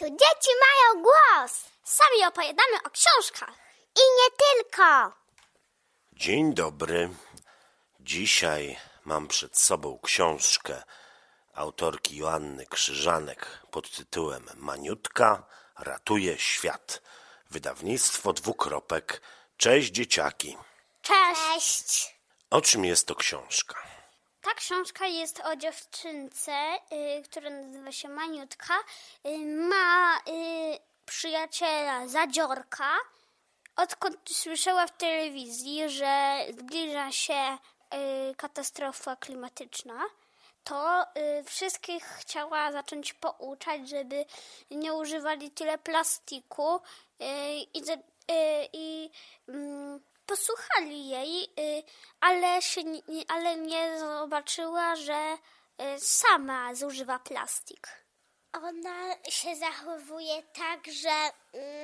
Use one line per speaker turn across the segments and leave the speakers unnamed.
Tu dzieci mają głos.
Sami opowiadamy o książkach.
I nie tylko.
Dzień dobry. Dzisiaj mam przed sobą książkę autorki Joanny Krzyżanek pod tytułem Maniutka ratuje świat. Wydawnictwo Dwukropek. Cześć dzieciaki.
Cześć.
O czym jest to książka?
Ta książka jest o dziewczynce, która nazywa się Maniutka. Ma przyjaciela Zadziorka. Odkąd słyszała w telewizji, że zbliża się katastrofa klimatyczna, to wszystkich chciała zacząć pouczać, żeby nie używali tyle plastiku i posłuchali jej, ale nie zobaczyła, że sama zużywa plastik.
Ona się zachowuje tak, że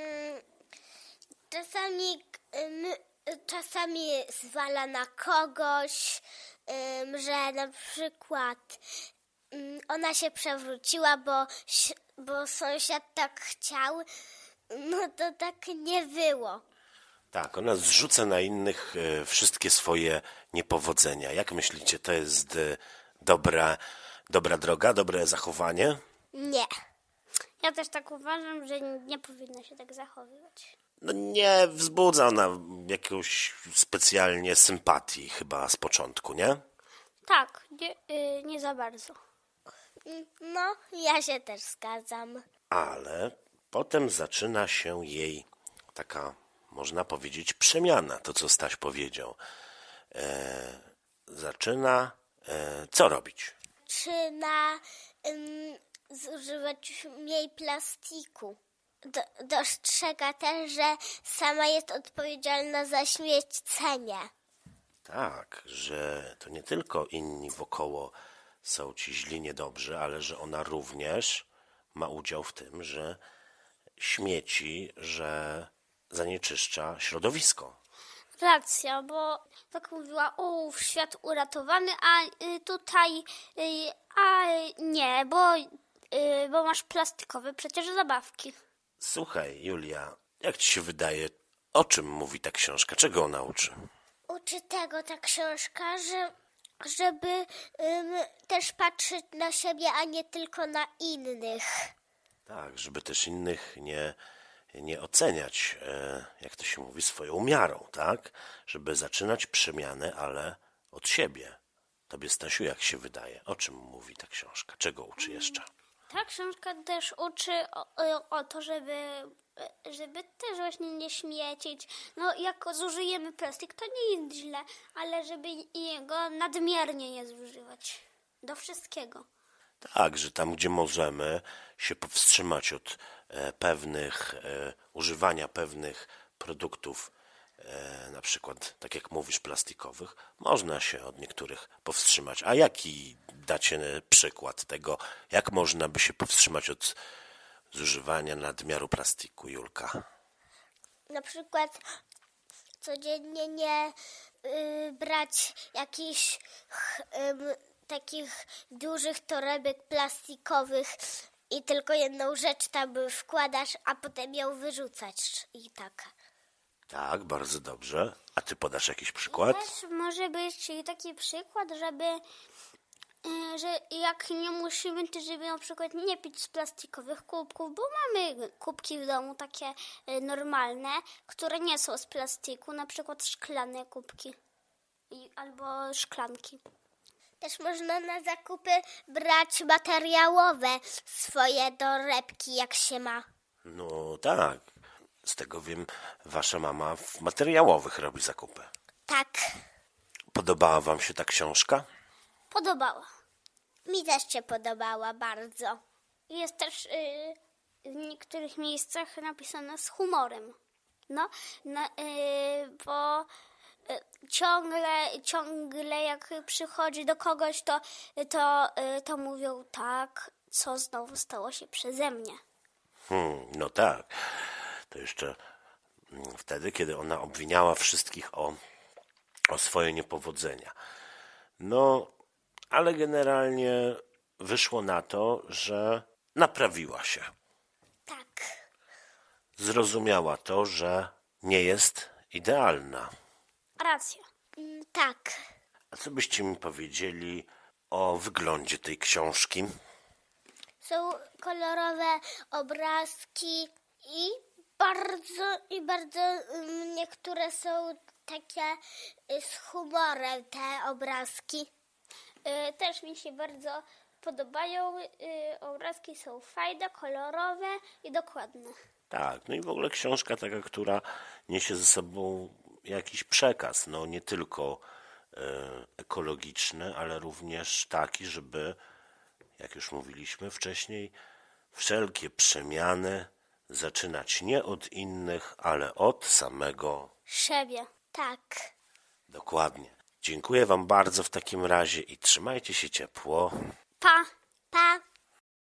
czasami zwala na kogoś, że na przykład ona się przewróciła, bo sąsiad tak chciał, no to tak nie było.
Tak, ona zrzuca na innych wszystkie swoje niepowodzenia. Jak myślicie, to jest dobra droga, dobre zachowanie?
Nie.
Ja też tak uważam, że nie powinna się tak zachowywać.
No nie wzbudza ona jakąś specjalnie sympatii chyba z początku, nie?
Tak, nie za bardzo.
No, ja się też zgadzam.
Ale potem zaczyna się jej taka, można powiedzieć, przemiana, to co Staś powiedział. Zaczyna co robić?
Zaczyna zużywać mniej plastiku. Dostrzega też, że sama jest odpowiedzialna za śmiecenie.
Tak, że to nie tylko inni wokoło są ci źli, niedobrzy, ale że ona również ma udział w tym, że śmieci, że zanieczyszcza środowisko.
Racja, bo tak mówiła, świat uratowany, a tutaj, nie, bo masz plastikowe przecież zabawki.
Słuchaj, Julia, jak ci się wydaje, o czym mówi ta książka? Czego ona uczy?
Uczy tego ta książka, żeby też patrzeć na siebie, a nie tylko na innych.
Tak, żeby też innych nie oceniać, jak to się mówi, swoją miarą, tak? Żeby zaczynać przemianę, ale od siebie. Tobie, Stasiu, jak się wydaje? O czym mówi ta książka? Czego uczy jeszcze?
Ta książka też uczy o to, żeby też właśnie nie śmiecić. No jak zużyjemy plastik, to nie jest źle, ale żeby jego nadmiernie nie zużywać. Do wszystkiego.
Tak, że tam, gdzie możemy się powstrzymać od używania pewnych produktów, na przykład, tak jak mówisz, plastikowych, można się od niektórych powstrzymać. A jaki dacie przykład tego, jak można by się powstrzymać od zużywania nadmiaru plastiku, Julka?
Na przykład codziennie nie brać jakichś takich dużych torebek plastikowych i tylko jedną rzecz tam wkładasz, a potem ją wyrzucać i tak.
Tak, bardzo dobrze. A ty podasz jakiś przykład?
Też może być taki przykład, że jak nie musimy, to żeby na przykład nie pić z plastikowych kubków, bo mamy kubki w domu takie normalne, które nie są z plastiku, na przykład szklane kubki albo szklanki.
Też można na zakupy brać materiałowe swoje torebki, jak się ma.
No tak. Z tego wiem, wasza mama w materiałowych robi zakupy.
Tak,
Podobała wam się ta książka?
Podobała.
mi też się podobała bardzo.
Jest też w niektórych miejscach napisana z humorem. Bo ciągle jak przychodzi do kogoś, to mówią tak, co znowu stało się przeze mnie.
No tak. To jeszcze wtedy, kiedy ona obwiniała wszystkich o swoje niepowodzenia. No, ale generalnie wyszło na to, że naprawiła się.
Tak.
Zrozumiała to, że nie jest idealna.
Racja.
Tak.
A co byście mi powiedzieli o wyglądzie tej książki?
Są kolorowe obrazki i bardzo niektóre są takie z humorem te obrazki.
Też mi się bardzo podobają. Obrazki są fajne, kolorowe i dokładne.
Tak, no i w ogóle książka taka, która niesie ze sobą jakiś przekaz, no nie tylko ekologiczny, ale również taki, żeby, jak już mówiliśmy wcześniej, wszelkie przemiany zaczynać nie od innych, ale od samego.
Siebie.
Tak.
Dokładnie. Dziękuję Wam bardzo w takim razie i trzymajcie się ciepło.
Pa!
Pa.